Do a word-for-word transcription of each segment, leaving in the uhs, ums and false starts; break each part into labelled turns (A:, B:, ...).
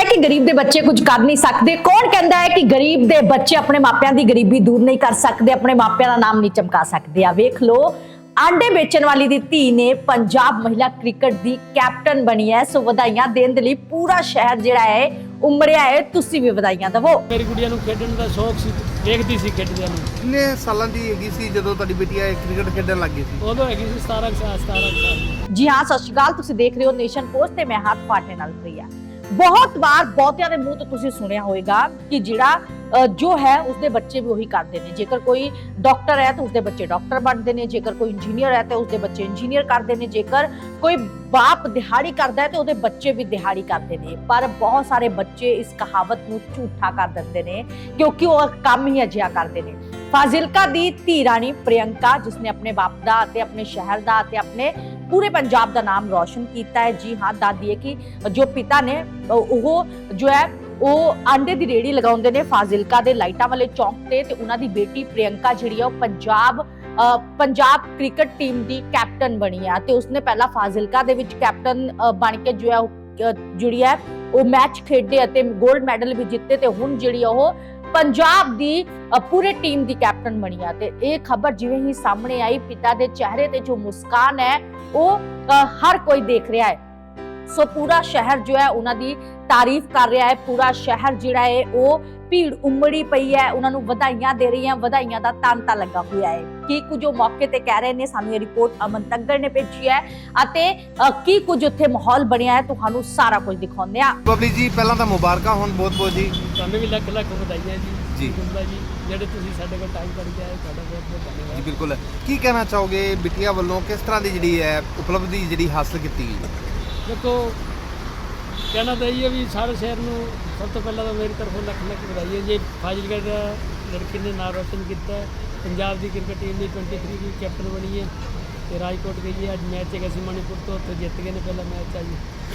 A: कि गरीब दे बच्चे कुछ कर नहीं सकते? कौन कहता है कि गरीब दे बच्चे अपने मापिਆਂ ਦੀ गरीबी दूर नहीं कर सकते, अपने मापिਆਂ ਦਾ नाम नहीं चमका सकते? आ वेख लो, आंडे बेचण वाली दी धी ने पंजाब महिला क्रिकेट दी कैप्टन बनी है। सो ਵਧਾਈਆਂ देण दे लई पूरा शहर जिहड़ा है उमड़िया है। तुसीं भी ਵਧਾਈਆਂ दवो।
B: मेरी गुड़िया नूं खेडण दा शौक सी, देखदी सी खेडदिਆਂ ਨੂੰ।
C: किन्ने सालां दी हैगी सी ਜਦੋਂ ਤੁਹਾਡੀ ਬੇਟੀ ਆ ਕ੍ਰਿਕਟ ਖੇਡਣ ਲੱਗ ਗਈ ਸੀ?
B: ਉਦੋਂ ਹੈਗੀ ਸੀ ਸਤਾਰਾਂ ਸਾਲ ਸਤਾਰਾਂ ਸਾਲ ਦੀ।
A: जी हाँ, सत श्री अकाल। तुसीं देख रहे हो नेशन पोस्ट ते मैं हाथ फाटे नाल प्रिया। बहुत बार बहुतिਆਂ ਦੇ ਮੂੰਹ ਤੋਂ ਤੁਸੀਂ ਸੁਣਿਆ ਹੋਵੇਗਾ ਕਿ ਜਿਹੜਾ ਜੋ ਹੈ ਉਸਦੇ ਬੱਚੇ ਵੀ ਉਹੀ ਕਰਦੇ ਨੇ। ਜੇਕਰ ਕੋਈ ਡਾਕਟਰ ਹੈ ਤਾਂ ਉਸਦੇ ਬੱਚੇ ਡਾਕਟਰ ਬਣਦੇ ਨੇ, ਜੇਕਰ ਕੋਈ ਇੰਜੀਨੀਅਰ ਹੈ ਤਾਂ ਉਸਦੇ ਬੱਚੇ ਇੰਜੀਨੀਅਰ ਕਰਦੇ ਨੇ, ਜੇਕਰ ਕੋਈ ਬਾਪ ਦਿਹਾੜੀ ਕਰਦਾ ਹੈ ਤਾਂ ਉਹਦੇ ਬੱਚੇ ਵੀ ਦਿਹਾੜੀ ਕਰਦੇ ਨੇ। ਪਰ ਬਹੁਤ ਸਾਰੇ ਬੱਚੇ ਇਸ ਕਹਾਵਤ ਨੂੰ ਝੂਠਾ ਕਰ ਦਿੰਦੇ ਨੇ ਕਿਉਂਕਿ ਉਹ ਕੰਮ ਹੀ ਅਜਿਹਾ ਕਰਦੇ ਨੇ। ਫਾਜ਼ਿਲਕਾ ਦੀ ਧੀ ਰਾਣੀ ਪ੍ਰਿਯੰਕਾ, ਜਿਸਨੇ ਆਪਣੇ ਬਾਪ ਦਾ ਅਤੇ ਆਪਣੇ ਸ਼ਹਿਰ ਦਾ ਅਤੇ ਆਪਣੇ पूरे पंजाब का नाम रोशन किया है। जी हाँ, दस दिए कि जो पिता ने वो जो है वो आंडे की रेहड़ी लगाते हैं फाजिलका के लाइटा वाले चौक से। तो उन्होंनी बेटी प्रियंका जी पंजाब पंजाब क्रिकेट टीम की कैप्टन बनी है। तो उसने पहला फाजिलका दे विच कैप्टन बन के जो है जी है वो मैच खेडे और गोल्ड मैडल भी जिते। तो हुण जी पंजाब दी पूरे टीम दी कैप्टन बनी है। ते ये खबर जिवें ही सामने आई, पिता दे चेहरे ते जो मुस्कान है वो हर कोई देख रहा है। सो पूरा शहर जो है उन्हां दी तारीफ कर रहा है। पूरा शहर जिहड़ा है वो भीड़ उमड़ी पई है, उन्होंने ਵਧਾਈਆਂ दे रही हैं। ਵਧਾਈਆਂ ਦਾ ਤਾਂਤਾ ਲੱਗਾ ਹੋਇਆ है। की कुछ मौके ते कह रहे ने, सानू ये रिपोर्ट अमन तग्गड़ ने भेजी है ਅਤੇ की कुछ उत्थे माहौल बनया है, तुहानू सारा कुछ दिखाਉਂਦੇ ਆ।
C: ਬਬਲੀ ਜੀ ਪਹਿਲਾਂ ਤਾਂ ਮੁਬਾਰਕਾਂ ਹੋਣ ਬਹੁਤ ਬਹੁਤ ਜੀ।
B: ਤੁਹਾਨੂੰ ਵੀ ਲੱਖ ਲੱਖ ਵਧਾਈਆਂ ਜੀ।
C: ਜੀ
B: ਗੁੰਦਾ ਜੀ, ਜਿਹੜੇ ਤੁਸੀਂ ਸਾਡੇ ਕੋਲ ਟਾਈਮ ਕੱਢ ਕੇ ਆਏ, ਤੁਹਾਡਾ ਬਹੁਤ ਬਹੁਤ ਧੰਨਵਾਦ
C: ਜੀ। ਬਿਲਕੁਲ, ਕੀ ਕਹਿਣਾ ਚਾਹੋਗੇ ਬਿਟੀਆ ਵੱਲੋਂ ਕਿਸ ਤਰ੍ਹਾਂ ਦੀ ਜਿਹੜੀ ਹੈ ਉਪਲਬਧੀ ਜਿਹੜੀ ਹਾਸਲ ਕੀਤੀ ਗਈ?
B: ਦੇਖੋ, ਕਹਿਣਾ ਤਾਂ ਇਹ ਹੈ ਵੀ ਸਾਰੇ ਸ਼ਹਿਰ ਨੂੰ ਸਭ ਤੋਂ ਪਹਿਲਾਂ ਤਾਂ ਮੇਰੀ ਤਰਫੋਂ ਲੱਖ ਲੱਖ ਵਧਾਈ ਹੈ ਜੀ। ਫਾਜ਼ਿਲਕਾ ਦਾ ਲੜਕੀ ਨੇ ਨਾਮ ਰੋਸ਼ਨ ਕੀਤਾ। ਪੰਜਾਬ ਦੀ ਕ੍ਰਿਕਟ ਟੀਮ ਦੀ तेईस ਦੀ ਕੈਪਟਨ ਬਣੀ ਹੈ ਤੇ ਰਾਜਕੋਟ ਗਈ ਹੈ। ਅੱਜ ਮੈਚ ਹੈਗਾ ਸੀ ਮਣੀਪੁਰ ਤੋਂ, ਉੱਥੇ ਜਿੱਤ ਗਏ ਨੇ ਪਹਿਲਾ ਮੈਚ ਆ ਜੀ।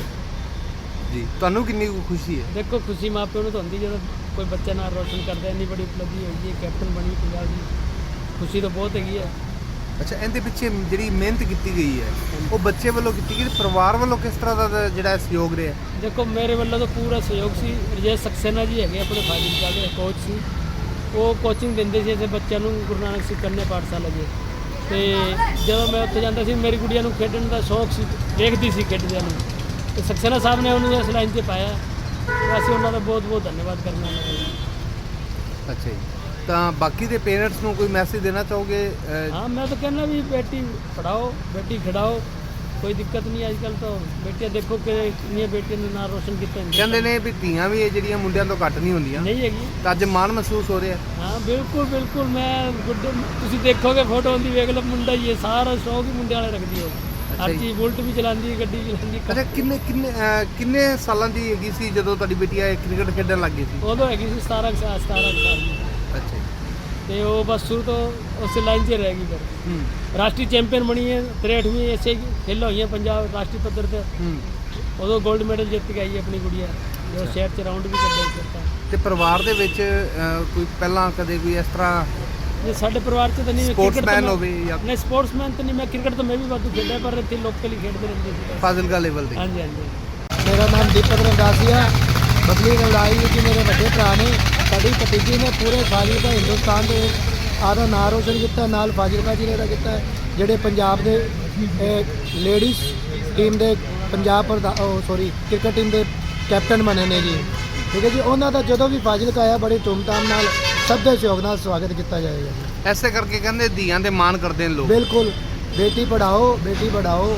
C: ਜੀ, ਤੁਹਾਨੂੰ ਕਿੰਨੀ ਕੁ ਖੁਸ਼ੀ ਹੈ?
B: ਦੇਖੋ, ਖੁਸ਼ੀ ਮਾਂ ਪਿਓ ਨੂੰ ਤਾਂ ਹੁੰਦੀ ਜਦੋਂ ਕੋਈ ਬੱਚਾ ਨਾਮ ਰੋਸ਼ਨ ਕਰਦਾ। ਇੰਨੀ ਬੜੀ ਉਪਲਬਧੀ ਹੋਈ ਹੈ, ਕੈਪਟਨ ਬਣੀ ਪੰਜਾਬ ਦੀ, ਖੁਸ਼ੀ ਤਾਂ ਬਹੁਤ ਹੈਗੀ ਹੈ।
C: ਅੱਛਾ, ਇਹਦੇ ਪਿੱਛੇ ਜਿਹੜੀ ਮਿਹਨਤ ਕੀਤੀ ਗਈ ਹੈ ਉਹ ਬੱਚੇ ਵੱਲੋਂ ਕੀਤੀ ਗਈ, ਪਰਿਵਾਰ ਵੱਲੋਂ ਕਿਸ ਤਰ੍ਹਾਂ ਦਾ ਜਿਹੜਾ ਸਹਿਯੋਗ ਰਿਹਾ?
B: ਦੇਖੋ, ਮੇਰੇ ਵੱਲੋਂ ਤਾਂ ਪੂਰਾ ਸਹਿਯੋਗ ਸੀ। ਰਜੇਸ਼ ਸਕਸੇਨਾ ਜੀ ਹੈਗੇ ਆਪਣੇ ਫਾਜ਼ਿਲਕਾ ਦੇ ਕੋਚ ਸੀ, ਉਹ ਕੋਚਿੰਗ ਦਿੰਦੇ ਸੀ ਇੱਥੇ ਬੱਚਿਆਂ ਨੂੰ ਗੁਰੂ ਨਾਨਕ ਸਿੱਖ ਕੰਨਿਆ ਪਾਠਸ਼ਾਲਾ ਜੀ। ਅਤੇ ਜਦੋਂ ਮੈਂ ਉੱਥੇ ਜਾਂਦਾ ਸੀ, ਮੇਰੀ ਗੁੜੀਆ ਨੂੰ ਖੇਡਣ ਦਾ ਸ਼ੌਕ ਸੀ, ਦੇਖਦੀ ਸੀ ਖੇਡਦਿਆਂ ਨੂੰ। ਅਤੇ ਸਕਸੇਨਾ ਸਾਹਿਬ ਨੇ ਉਹਨੂੰ ਇਸ ਲਾਈਨ 'ਤੇ ਪਾਇਆ। ਅਸੀਂ ਉਹਨਾਂ ਦਾ ਬਹੁਤ ਬਹੁਤ ਧੰਨਵਾਦ ਕਰਨਾ ਉਹਨਾਂ ਦਾ।
C: ਅੱਛਾ ਜੀ, ਤਾਂ ਬਾਕੀ ਦੇ ਪੇਰੈਂਟਸ ਨੂੰ ਕੋਈ ਮੈਸੇਜ ਦੇਣਾ ਚਾਹੋਗੇ?
B: ਹਾਂ, ਮੈਂ ਤਾਂ ਕਹਿੰਦਾ ਵੀ ਬੇਟੀ ਪੜ੍ਹਾਓ, ਬੇਟੀ ਖਿਡਾਓ, ਕੋਈ ਦਿੱਕਤ ਨਹੀਂ। ਅੱਜ ਕੱਲ੍ਹ ਤਾਂ ਬੇਟੀਆਂ ਦੇਖੋ ਕਿ ਕਿੰਨੀਆਂ ਬੇਟੀਆਂ ਨੇ ਨਾਂ ਰੋਸ਼ਨ ਕੀਤਾ।
C: ਕਹਿੰਦੇ ਨੇ ਵੀ ਧੀਆਂ ਵੀ ਇਹ ਜਿਹੜੀਆਂ ਮੁੰਡਿਆਂ ਤੋਂ ਘੱਟ ਨਹੀਂ ਹੁੰਦੀਆਂ।
B: ਨਹੀਂ ਹੈਗੀ,
C: ਤਾਂ ਅੱਜ ਮਾਣ ਮਹਿਸੂਸ ਹੋ ਰਿਹਾ?
B: ਹਾਂ ਬਿਲਕੁਲ ਬਿਲਕੁਲ। ਮੈਂ ਗੁੱਡੇ ਤੁਸੀਂ ਦੇਖੋਗੇ ਫੋਟੋ ਹੁੰਦੀ, ਵੇਖ ਲਓ ਮੁੰਡਾ ਹੀ ਹੈ, ਸਾਰਾ ਸ਼ੌਕ ਹੀ ਮੁੰਡਿਆਂ ਵਾਲੇ ਰੱਖਦੀ ਹੈ। ਹਰ ਚੀਜ਼, ਬੁਲਟ ਵੀ ਚਲਾਉਂਦੀ ਹੈ, ਗੱਡੀ ਚਲਾਉਂਦੀ।
C: ਅੱਛਾ, ਕਿੰਨੇ ਕਿੰਨੇ ਕਿੰਨੇ ਸਾਲਾਂ ਦੀ ਹੈਗੀ ਸੀ ਜਦੋਂ ਤੁਹਾਡੀ ਬੇਟੀ ਆ ਕ੍ਰਿਕਟ ਖੇਡਣ ਲੱਗ ਗਈ ਸੀ?
B: ਉਦੋਂ ਹੈਗੀ ਸੀ ਸਤਾਰਾਂ ਸਾਲ ਸਤਾਰਾਂ ਸਾਲ ਦੀ।
C: ਅੱਛਾ
B: ਤੇ ਉਹ ਬਸ ਸ਼ੁਰੂ ਤੋਂ ਉਸੇ ਲਾਈਨ 'ਚ ਰਹਿ ਗਈ। ਫਿਰ
C: ਹੂੰ
B: ਰਾਸ਼ਟਰੀ ਚੈਂਪੀਅਨ ਬਣੀ ਹੈ। ਤਰੇਹਠਵੀਂ ਐਸੇ ਖੇਲਾਂ ਹੋਈਆਂ ਪੰਜਾਬ ਰਾਸ਼ਟਰੀ ਪੱਧਰ 'ਤੇ।
C: ਹੂੰ
B: ਉਦੋਂ 골ਡ ਮੈਡਲ ਜਿੱਤ ਕੇ ਆਈ ਆਪਣੀ ਗੁੜੀਆ, ਜੋ ਸ਼ਹਿਰ 'ਚ ਰਾਊਂਡ ਵੀ ਕੱਢਿਆ ਕੀਤਾ।
C: ਤੇ ਪਰਿਵਾਰ ਦੇ ਵਿੱਚ ਕੋਈ ਪਹਿਲਾਂ ਕਦੇ ਕੋਈ ਇਸ ਤਰ੍ਹਾਂ
B: ਜੇ ਸਾਡੇ ਪਰਿਵਾਰ 'ਚ ਤਾਂ ਨਹੀਂ
C: ਸਪੋਰਟਸਮੈਨ ਹੋਵੇ ਜਾਂ
B: ਨਹੀਂ, ਸਪੋਰਟਸਮੈਨ ਤਾਂ ਨਹੀਂ। ਮੈਂ ਕ੍ਰਿਕਟ ਤਾਂ ਮੈਂ ਵੀ ਵਾਧੂ ਖੇਡਿਆ, ਪਰ ਇੱਥੇ ਲੋਕਲੀ ਖੇਡਦੇ ਰਹਿੰਦੇ ਸੀ
C: ਫਾਜ਼ਿਲਕਾ ਲੈਵਲ ਤੇ।
B: ਹਾਂਜੀ ਹਾਂਜੀ।
D: मेरा नाम दीपक रंदासिया। बबली लड़ाई कि मेरे बड़े भरा ने साड़ी भतीजी ने पूरे फाजिलका हिंदुस्तान के आधा नाम रोशन किया, नाल फाजिलका जिले का किया। ਜਿਹੜੇ ਪੰਜਾਬ ਦੇ ਲੇਡੀਜ਼ ਟੀਮ ਦੇ ਪੰਜਾਬ ਪ੍ਰਧਾਨ ਸੌਰੀ ਕ੍ਰਿਕਟ ਟੀਮ ਦੇ ਕੈਪਟਨ ਬਣੇ ਨੇ ਜੀ। ਠੀਕ ਹੈ ਜੀ, ਉਹਨਾਂ ਦਾ ਜਦੋਂ ਵੀ ਫਾਜ਼ਿਲਕਾ ਆਇਆ ਬੜੀ ਧੂਮਧਾਮ ਨਾਲ ਸਭ ਦੇ ਸਹਿਯੋਗ ਨਾਲ ਸਵਾਗਤ ਕੀਤਾ ਜਾਏਗਾ।
C: ਐਸੇ ਕਰਕੇ ਕਹਿੰਦੇ ਧੀਆਂ ਦੇ ਮਾਣ ਕਰਦੇ ਨੇ ਲੋਕ।
D: ਬਿਲਕੁਲ, ਬੇਟੀ ਪੜਾਓ ਬੇਟੀ ਪੜਾਓ।